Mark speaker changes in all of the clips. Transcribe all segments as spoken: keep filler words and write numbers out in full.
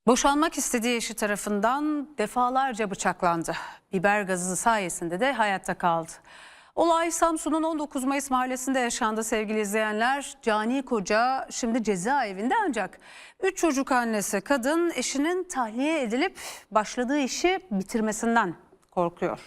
Speaker 1: Boşanmak istediği eşi tarafından defalarca bıçaklandı. Biber gazı sayesinde de hayatta kaldı. Olay Samsun'un on dokuz Mayıs mahallesinde yaşandı sevgili izleyenler. Cani koca şimdi cezaevinde ancak üç çocuk annesi kadın eşinin tahliye edilip başladığı işi bitirmesinden korkuyor.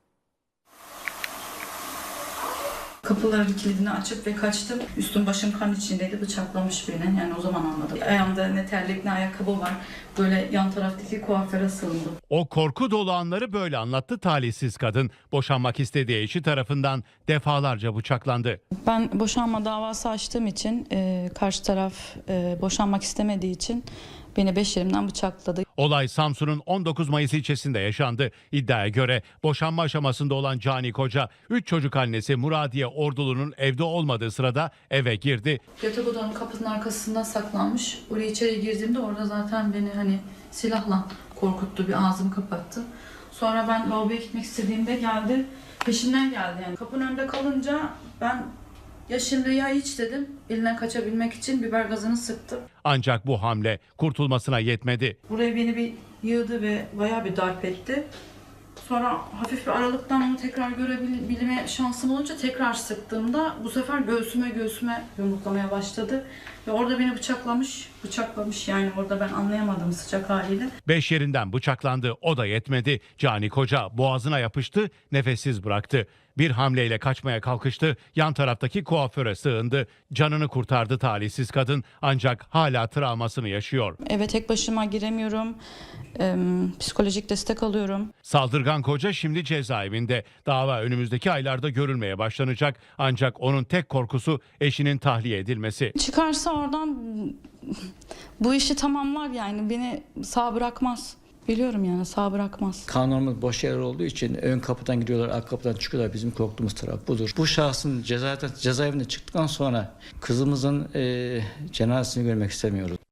Speaker 2: Kapıların kilidini açıp ve kaçtım. Üstüm başım kan içindeydi. Bıçaklamış beni. Yani o zaman anladım. Ayağımda ne terlik ne ayakkabı var. Böyle yan taraftaki kuaföre sığındım.
Speaker 3: O korku dolu anları böyle anlattı talihsiz kadın. Boşanmak istediği eşi tarafından defalarca bıçaklandı.
Speaker 2: Ben boşanma davası açtığım için e, karşı taraf e, boşanmak istemediği için beni beş yerimden bıçakladı.
Speaker 3: Olay Samsun'un on dokuz Mayıs ilçesinde yaşandı. İddiaya göre boşanma aşamasında olan Cani koca, üç çocuk annesi Muradiye Ordulu'nun evde olmadığı sırada eve girdi.
Speaker 2: Yatak odanın kapısının arkasından saklanmış. Oraya içeri girdiğimde orada zaten beni hani silahla korkuttu. Bir ağzımı kapattı. Sonra ben lavaboya gitmek istediğimde geldi. Peşimden geldi yani. Kapının önünde kalınca ben ya şimdi ya hiç dedim. Elinden kaçabilmek için biber gazını sıktım.
Speaker 3: Ancak bu hamle kurtulmasına yetmedi.
Speaker 2: Buraya beni bir yığdı ve bayağı bir darp etti. Sonra hafif bir aralıktan onu tekrar görebilme şansım olunca tekrar sıktığımda bu sefer göğsüme göğsüme yumruklamaya başladı. Ve orada beni bıçaklamış, bıçaklamış yani orada ben anlayamadım sıcak haliyle.
Speaker 3: Beş yerinden bıçaklandı, o da yetmedi. Cani koca boğazına yapıştı, nefessiz bıraktı. Bir hamleyle kaçmaya kalkıştı, yan taraftaki kuaföre sığındı. Canını kurtardı talihsiz kadın ancak hala travmasını yaşıyor.
Speaker 2: Eve tek başıma giremiyorum, ee, psikolojik destek alıyorum.
Speaker 3: Saldırgan koca şimdi cezaevinde. Dava önümüzdeki aylarda görülmeye başlanacak. Ancak onun tek korkusu eşinin tahliye edilmesi.
Speaker 2: Çıkarsa oradan bu işi tamamlar yani beni sağ bırakmaz. Biliyorum yani sağ bırakmaz.
Speaker 4: Kanunumuz boş yer olduğu için ön kapıdan giriyorlar, arka kapıdan çıkıyorlar. Bizim korktuğumuz taraf budur. Bu şahsın cezaevinden, cezaevinden çıktıktan sonra kızımızın e, cenazesini görmek istemiyoruz.